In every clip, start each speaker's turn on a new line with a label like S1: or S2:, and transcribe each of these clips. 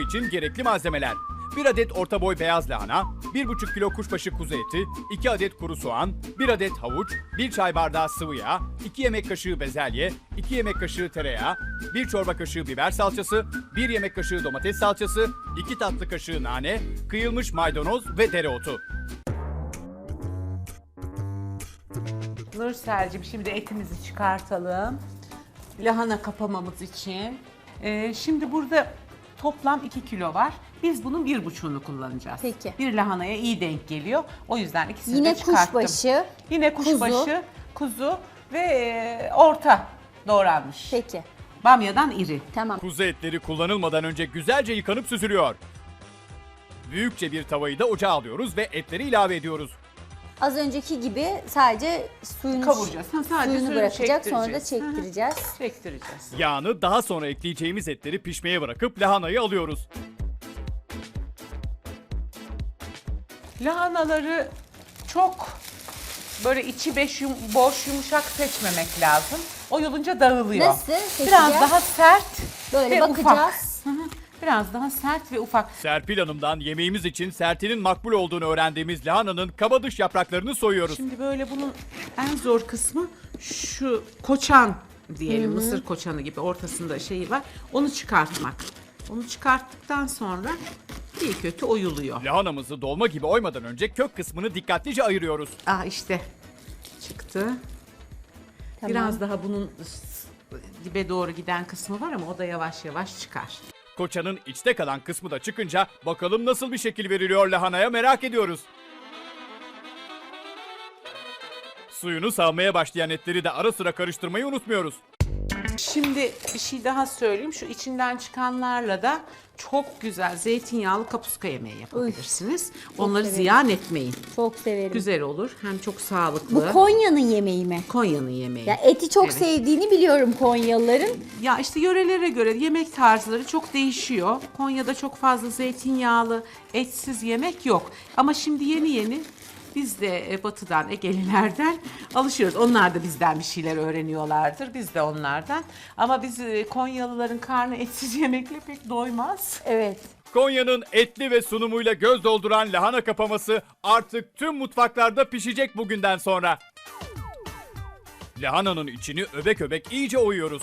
S1: için gerekli malzemeler: 1 adet orta boy beyaz lahana, 1,5 kilo kuşbaşı kuzu eti, 2 adet kuru soğan, 1 adet havuç, 1 çay bardağı sıvı yağ, 2 yemek kaşığı bezelye, 2 yemek kaşığı tereyağı, 1 çorba kaşığı biber salçası, 1 yemek kaşığı domates salçası, 2 tatlı kaşığı nane, kıyılmış maydanoz ve dereotu.
S2: Nursel'cim şimdi etimizi çıkartalım. Lahana kapamamız için. Şimdi burada toplam 2 kilo var. Biz bunun 1,5'unu kullanacağız.
S3: Peki.
S2: Bir lahanaya iyi denk geliyor. O yüzden ikisini
S3: Yine
S2: de çıkarttım.
S3: kuşbaşı,
S2: Yine kuşbaşı, kuzu ve orta doğranmış.
S3: Peki.
S2: Bamyadan iri.
S3: Tamam.
S1: Kuzu etleri kullanılmadan önce güzelce yıkanıp süzülüyor. Büyükçe bir tavayı da ocağa alıyoruz ve etleri ilave ediyoruz.
S3: Az önceki gibi sadece suyunu
S2: Kavuracağız. Sadece
S3: suyunu bırakacak, sonra da
S2: çektireceğiz.
S3: çektireceğiz.
S2: Çektireceğiz.
S1: Yağını daha sonra ekleyeceğimiz etleri pişmeye bırakıp lahanayı alıyoruz.
S2: Lahanaları çok böyle içi boş yumuşak seçmemek lazım. Oyulunca dağılıyor.
S3: Nasıl seçeceğiz?
S2: Biraz daha sert
S3: Böyle
S2: ve
S3: bakacağız.
S2: ufak. Hı hı. Biraz daha sert ve ufak.
S1: Serpil Hanım'dan yemeğimiz için sertinin makbul olduğunu öğrendiğimiz lahananın kabadış yapraklarını soyuyoruz.
S2: Şimdi böyle bunun en zor kısmı şu koçan diyelim, mısır koçanı gibi ortasında şeyi var. Onu çıkartmak. Onu çıkarttıktan sonra iyi kötü oyuluyor.
S1: Lahanamızı dolma gibi oymadan önce kök kısmını dikkatlice ayırıyoruz.
S2: İşte çıktı.
S3: Tamam.
S2: Biraz daha bunun dibe doğru giden kısmı var ama o da yavaş yavaş çıkar.
S1: Koçanın içte kalan kısmı da çıkınca bakalım nasıl bir şekil veriliyor lahanaya, merak ediyoruz. Suyunu salmaya başlayan etleri de ara sıra karıştırmayı unutmuyoruz.
S2: Şimdi bir şey daha söyleyeyim. Şu içinden çıkanlarla da çok güzel zeytinyağlı kapuska yemeği yapabilirsiniz. Onları
S3: severim.
S2: ziyan etmeyin.
S3: Çok severim.
S2: Güzel olur. Hem çok sağlıklı.
S3: Bu Konya'nın yemeği mi?
S2: Konya'nın yemeği.
S3: Ya eti çok
S2: Evet.
S3: sevdiğini biliyorum Konyalıların.
S2: Ya işte yörelere göre yemek tarzları çok değişiyor. Konya'da çok fazla zeytinyağlı, etsiz yemek yok. Ama şimdi yeni yeni biz de batıdan, Egelilerden alışıyoruz. Onlar da bizden bir şeyler öğreniyorlardır. Biz de onlardan. Ama biz Konyalıların karnı etsiz yemekle pek doymaz.
S3: Evet.
S1: Konya'nın etli ve sunumuyla göz dolduran lahana kapaması artık tüm mutfaklarda pişecek bugünden sonra. Lahananın içini öbek öbek iyice oyuyoruz.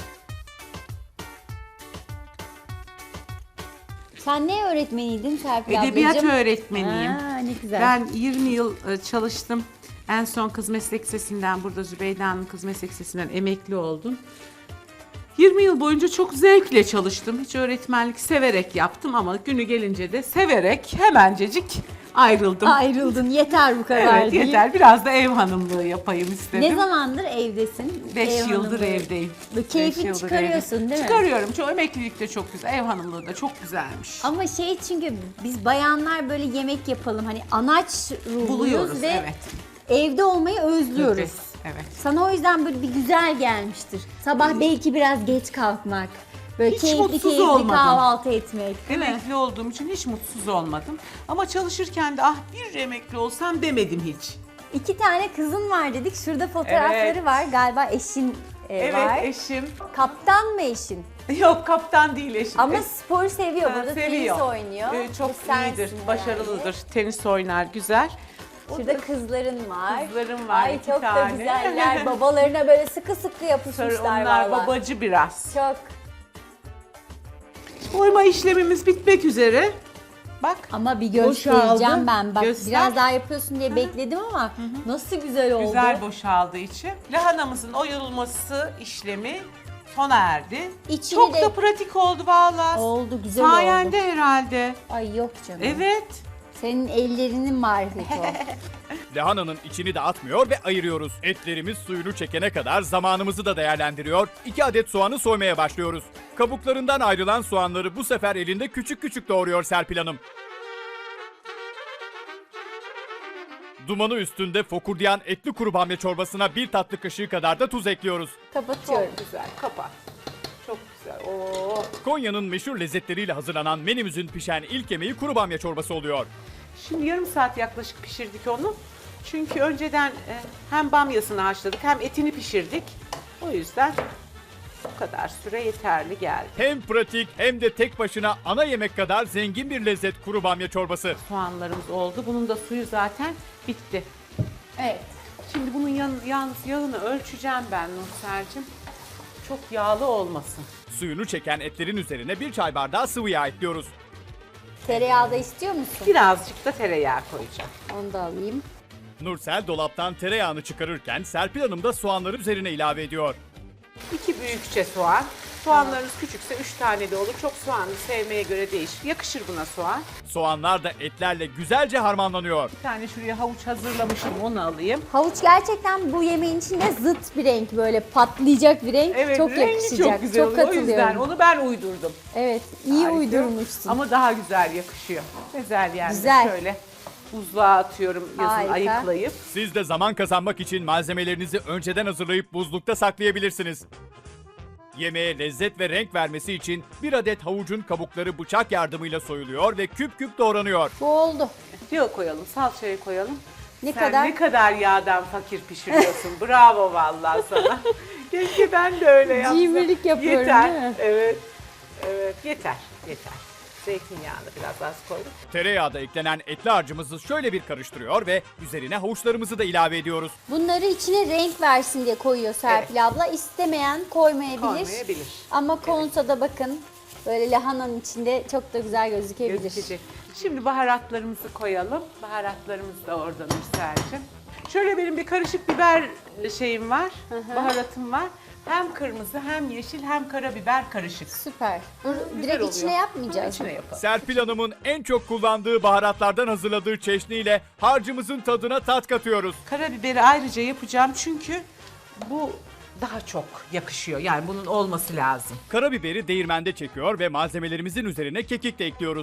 S3: Sen ne öğretmeniydin Serpil
S2: Edebiyat
S3: ablacığım?
S2: öğretmeniyim.
S3: Ne güzel.
S2: Ben 20 yıl çalıştım. En son Kız Meslek Lisesi'nden, burada Zübeyde Hanım Kız Meslek Lisesi'nden emekli oldum. 20 yıl boyunca çok zevkle çalıştım. Hiç öğretmenlik severek yaptım ama günü gelince de severek hemencecik ayrıldım.
S3: Ayrıldın, yeter bu kadar
S2: Evet
S3: deyip.
S2: yeter, biraz da ev hanımlığı yapayım istedim.
S3: Ne zamandır evdesin?
S2: 5
S3: Ev
S2: yıldır
S3: hanımlığı.
S2: evdeyim.
S3: Bu keyfini
S2: 5 yıldır
S3: çıkarıyorsun
S2: evdeyim.
S3: değil mi?
S2: Çıkarıyorum. Çok emeklilik de çok güzel. Ev hanımlığı da çok güzelmiş.
S3: Ama çünkü biz bayanlar böyle yemek yapalım hani anaç ruhluyuz
S2: Buluyoruz
S3: ve
S2: evet.
S3: evde olmayı özlüyoruz.
S2: Evet.
S3: Sana o yüzden böyle bir güzel gelmiştir. Sabah belki biraz geç kalkmak. Böyle
S2: Hiç
S3: keyifli
S2: mutsuz
S3: keyifli
S2: olmadım.
S3: kahvaltı etmek değil mi?
S2: Emekli olduğum için hiç mutsuz olmadım. Ama çalışırken de bir emekli olsam demedim hiç.
S3: 2 tane kızın var dedik. Şurada fotoğrafları
S2: Evet.
S3: var. Galiba eşin
S2: Evet
S3: var.
S2: eşim.
S3: Kaptan mı eşin?
S2: Yok kaptan değil eşim.
S3: Ama sporu seviyor. Burada
S2: seviyor.
S3: tenis oynuyor.
S2: Çok
S3: Bu sensin
S2: iyidir,
S3: yani.
S2: başarılıdır. Tenis oynar, güzel.
S3: Şurada kızların var.
S2: Kızlarım var,
S3: Ay
S2: 2
S3: çok da
S2: tane.
S3: güzeller. Babalarına böyle sıkı sıkı yapışmışlar
S2: Onlar
S3: valla.
S2: babacı biraz.
S3: Çok.
S2: Oyma işlemimiz bitmek üzere. Bak.
S3: Ama bir
S2: Boşaldı.
S3: göstereceğim ben. Bak
S2: Göster.
S3: biraz daha yapıyorsun diye bekledim ama nasıl güzel oldu.
S2: Güzel boşaldığı için. Lahanamızın oyulması işlemi sona erdi.
S3: İçini
S2: Çok
S3: de-
S2: da pratik oldu vallahi.
S3: Oldu, güzel oldu.
S2: Sayende herhalde.
S3: Ay yok canım.
S2: Evet.
S3: Senin ellerinin marifeti o.
S1: Lahananın içini de atmıyor ve ayırıyoruz. Etlerimiz suyunu çekene kadar zamanımızı da değerlendiriyor. 2 adet soğanı soymaya başlıyoruz. Kabuklarından ayrılan soğanları bu sefer elinde küçük küçük doğruyor Serpil Hanım. Dumanı üstünde fokurdayan etli kuru bamya çorbasına 1 tatlı kaşığı kadar da tuz ekliyoruz.
S3: Kapatıyorum.
S2: Çok güzel. Kapat. Çok güzel. Oo.
S1: Konya'nın meşhur lezzetleriyle hazırlanan menümüzün pişen ilk yemeği kuru bamya çorbası oluyor.
S2: Şimdi yarım saat yaklaşık pişirdik onu. Çünkü önceden hem bamyasını haşladık hem etini pişirdik. O yüzden Bu kadar süre yeterli geldi.
S1: Hem pratik hem de tek başına ana yemek kadar zengin bir lezzet kuru bamya çorbası.
S2: Soğanlarımız oldu. Bunun da suyu zaten bitti.
S3: Evet.
S2: Şimdi bunun yalnız yağını ölçeceğim ben Nursel'cim. Çok yağlı olmasın.
S1: Suyunu çeken etlerin üzerine 1 çay bardağı sıvı yağ ekliyoruz.
S3: Tereyağı da istiyor musun?
S2: Birazcık da tereyağı koyacağım.
S3: Onu da alayım.
S1: Nursel dolaptan tereyağını çıkarırken Serpil Hanım da soğanları üzerine ilave ediyor.
S2: 2 büyükçe soğan. Soğanlarınız küçükse 3 tane de olur. Çok soğanlı sevmeye göre değişir. Yakışır buna soğan.
S1: Soğanlar da etlerle güzelce harmanlanıyor.
S2: Bir tane şuraya havuç hazırlamışım, onu alayım.
S3: Havuç gerçekten bu yemeğin içinde zıt bir renk, böyle patlayacak bir renk.
S2: Evet,
S3: çok
S2: rengi
S3: yakışacak.
S2: çok güzel oluyor. O yüzden
S3: katılıyorum.
S2: onu ben uydurdum.
S3: Evet, iyi
S2: Harika.
S3: uydurmuşsun.
S2: Ama daha güzel yakışıyor. Güzel yani.
S3: Güzel.
S2: Şöyle buzluğa atıyorum yazın
S3: Harika.
S2: ayıklayıp.
S1: Siz de zaman kazanmak için malzemelerinizi önceden hazırlayıp buzlukta saklayabilirsiniz. Yemeğe lezzet ve renk vermesi için 1 adet havucun kabukları bıçak yardımıyla soyuluyor ve küp küp doğranıyor.
S3: Bu oldu.
S2: Yağı koyalım, salçayı koyalım.
S3: Ne
S2: Sen
S3: kadar?
S2: ne kadar yağdan fakir pişiriyorsun. Bravo vallahi sana. Keşke ben de öyle yapsam.
S3: Cimrilik yapıyorum,
S2: yeter.
S3: değil mi?
S2: Evet. Evet, yeter. Yeter. Zeytinyağını biraz az koydum.
S1: Tereyağı da eklenen etli harcımızı şöyle bir karıştırıyor ve üzerine havuçlarımızı da ilave ediyoruz.
S3: Bunları içine renk versin diye koyuyor Serpil abla. İstemeyen koymayabilir.
S2: Koymayabilir.
S3: Ama konsada bakın böyle lahananın içinde çok da güzel gözükebilir.
S2: Gözükecek. Şimdi baharatlarımızı koyalım. Baharatlarımız da orada Nursel'cim. Şöyle benim bir karışık biber şeyim var. Baharatım var. Hem kırmızı hem yeşil hem karabiber karışık.
S3: Süper.
S2: Güzel
S3: Direkt
S2: oluyor.
S3: içine yapmayacağız.
S2: İçine yapalım.
S1: Serpil Hanım'ın en çok kullandığı baharatlardan hazırladığı çeşniyle harcımızın tadına tat katıyoruz.
S2: Karabiberi ayrıca yapacağım çünkü bu daha çok yakışıyor. Yani bunun olması lazım.
S1: Karabiberi değirmende çekiyor ve malzemelerimizin üzerine kekik de ekliyoruz.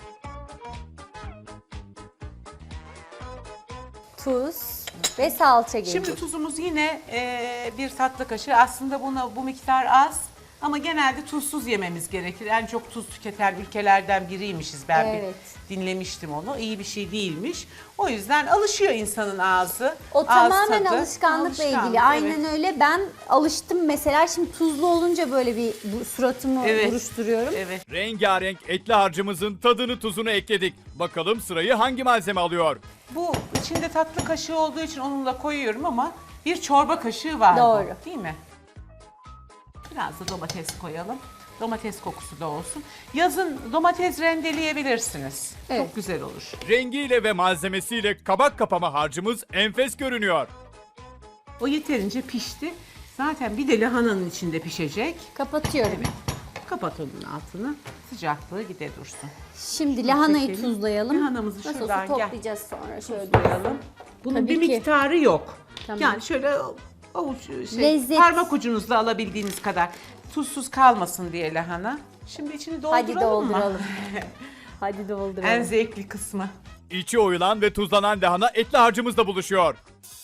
S3: Tuz ve salça gelecek.
S2: Şimdi tuzumuz yine bir tatlı kaşığı. Aslında bu miktar az. Ama genelde tuzsuz yememiz gerekir. En çok tuz tüketen ülkelerden biriymişiz. Ben
S3: Evet.
S2: bir dinlemiştim onu. İyi bir şey değilmiş. O yüzden alışıyor insanın ağzı.
S3: O
S2: Ağız
S3: tamamen
S2: tadı.
S3: alışkanlıkla
S2: Alışkanlık,
S3: ilgili. Aynen
S2: evet.
S3: öyle. Ben alıştım mesela. Şimdi tuzlu olunca böyle bir suratımı
S2: Evet.
S3: buruşturuyorum.
S2: Evet.
S1: Rengarenk etli harcımızın tadını tuzunu ekledik. Bakalım sırayı hangi malzeme alıyor?
S2: Bu içinde tatlı kaşığı olduğu için onunla koyuyorum ama bir çorba kaşığı var.
S3: Doğru.
S2: Bu, değil mi? Biraz da domates koyalım. Domates kokusu da olsun. Yazın domates rendeleyebilirsiniz.
S3: Evet.
S2: Çok güzel olur.
S1: Rengiyle ve malzemesiyle kabak kapama harcımız enfes görünüyor.
S2: O yeterince pişti. Zaten bir de lahananın içinde pişecek.
S3: Kapatıyorum.
S2: Kapat onun altını. Sıcaklığı gide dursun.
S3: Şimdi lahanayı
S2: Çekelim.
S3: tuzlayalım.
S2: Lahanamızı
S3: Nasıl olsa
S2: şuradan gel.
S3: toplayacağız sonra. Şöyle.
S2: Koyalım. Bunun
S3: Tabii
S2: bir
S3: ki.
S2: miktarı yok.
S3: Tamam.
S2: Yani şöyle avuç
S3: Lezzet.
S2: parmak ucunuzla alabildiğiniz kadar. Tuzsuz kalmasın diye lahana. Şimdi içini dolduralım
S3: Hadi
S2: mı?
S3: dolduralım. Hadi dolduralım.
S2: En zevkli kısmı.
S1: İçi oyulan ve tuzlanan lahana etli harcımızla buluşuyor.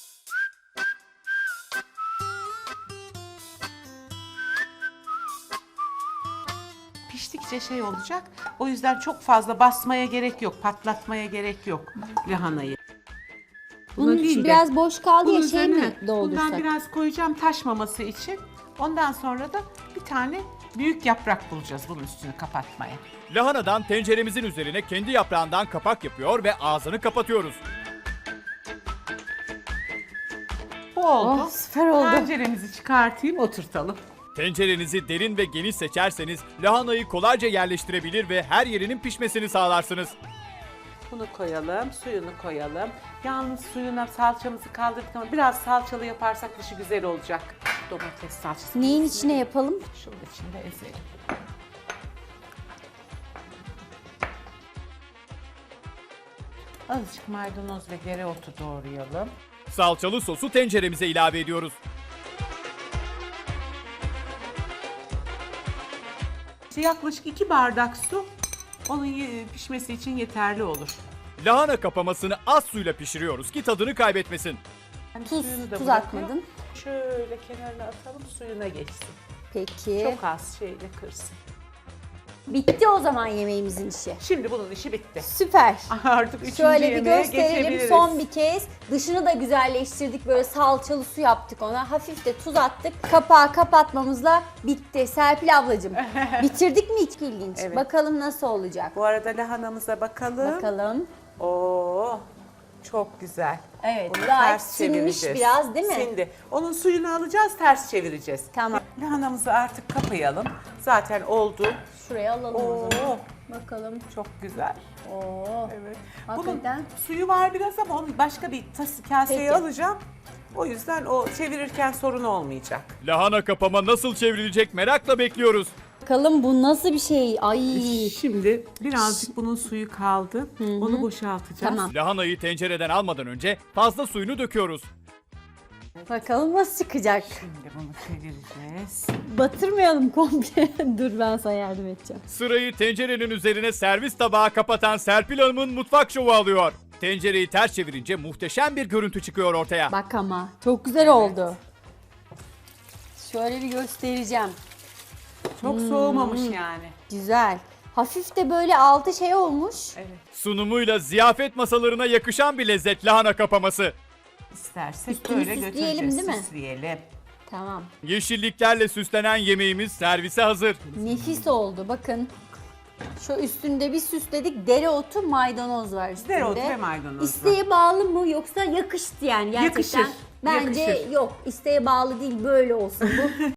S2: Piştikçe şey olacak. O yüzden çok fazla basmaya gerek yok. Patlatmaya gerek yok lahanayı. Buna
S3: Bunun
S2: değil
S3: içi
S2: de
S3: biraz boş kaldı
S2: bunun
S3: ya, şey mi
S2: üzerine
S3: doldursak?
S2: Bundan biraz koyacağım taşmaması için. Ondan sonra da bir tane büyük yaprak bulacağız bunun üstünü kapatmaya.
S1: Lahanadan tenceremizin üzerine kendi yaprağından kapak yapıyor ve ağzını kapatıyoruz.
S2: Bu oldu.
S3: Oh, süper oldu.
S2: Tenceremizi çıkartayım, oturtalım.
S1: Tencerenizi derin ve geniş seçerseniz lahanayı kolayca yerleştirebilir ve her yerinin pişmesini sağlarsınız.
S2: Bunu koyalım, suyunu koyalım. Yalnız suyuna salçamızı kaldırdık ama biraz salçalı yaparsak dışı güzel olacak. Domates salçası.
S3: Neyin içine yapalım?
S2: Şunun içinde ezelim. Azıcık maydanoz ve dereotu doğrayalım.
S1: Salçalı sosu tenceremize ilave ediyoruz.
S2: İşte yaklaşık 2 bardak su onun pişmesi için yeterli olur.
S1: Lahana kapamasını az suyla pişiriyoruz ki tadını kaybetmesin.
S2: Yani
S3: Tuz,
S2: suyunu da
S3: tuz
S2: bırakıyor.
S3: atmadın.
S2: Şöyle kenarına atalım, suyuna geçsin.
S3: Peki.
S2: Çok az şeyle kırsın.
S3: Bitti o zaman yemeğimizin işi.
S2: Şimdi bunun işi bitti.
S3: Süper.
S2: Artık üçüncü
S3: Şöyle bir
S2: yemeğe
S3: gösterelim
S2: geçebiliriz.
S3: son bir kez. Dışını da güzelleştirdik. Böyle salçalı su yaptık ona. Hafif de tuz attık. Kapağı kapatmamızla bitti. Serpil ablacığım bitirdik mi hiç ilginç?
S2: Evet.
S3: Bakalım nasıl olacak.
S2: Bu arada lahanamıza bakalım.
S3: Bakalım.
S2: Oo, çok güzel.
S3: Evet,
S2: Bunu
S3: gayet
S2: ters
S3: sinmiş
S2: çevireceğiz.
S3: biraz, değil mi?
S2: Sindi. Onun suyunu alacağız, ters çevireceğiz.
S3: Tamam.
S2: Lahanamızı artık kapayalım. Zaten oldu.
S3: Şuraya alalım o zaman.
S2: Oo,
S3: Bakalım.
S2: çok güzel.
S3: Oo.
S2: Evet.
S3: Hakikaten.
S2: Bunun suyu var biraz ama onu başka bir kaseye
S3: Peki.
S2: alacağım. O yüzden o çevirirken sorun olmayacak.
S1: Lahana kapama nasıl çevrilecek merakla bekliyoruz.
S3: Bakalım bu nasıl bir şey? Ay.
S2: Şimdi birazcık bunun suyu kaldı. Onu boşaltacağız.
S3: Tamam.
S1: Lahanayı tencereden almadan önce fazla suyunu döküyoruz.
S3: Bakalım nasıl çıkacak.
S2: Şimdi bunu çevireceğiz.
S3: Batırmayalım komple. Dur ben sana yardım edeceğim.
S1: Sırayı tencerenin üzerine servis tabağı kapatan Serpil Hanım'ın mutfak şovu alıyor. Tencereyi ters çevirince muhteşem bir görüntü çıkıyor ortaya.
S3: Bak ama çok güzel oldu. Şöyle bir göstereceğim.
S2: Çok soğumamış yani.
S3: Güzel. Hafif de böyle altı şey olmuş.
S2: Evet.
S1: Sunumuyla ziyafet masalarına yakışan bir lezzet lahana kapaması.
S2: İstersek
S3: Üstünü
S2: böyle
S3: süsleyelim,
S2: götüreceğiz.
S3: değil mi?
S2: Süsleyelim.
S3: Tamam.
S1: Yeşilliklerle süslenen yemeğimiz servise hazır.
S3: Nefis oldu bakın. Şu üstünde bir süsledik. Dereotu, maydanoz var üstünde.
S2: Dereotu ve maydanoz var.
S3: İsteğe bağlı mı yoksa yakıştı yani gerçekten.
S2: Yakışır,
S3: Bence
S2: yakışır.
S3: yok. İsteğe bağlı değil, böyle olsun bu.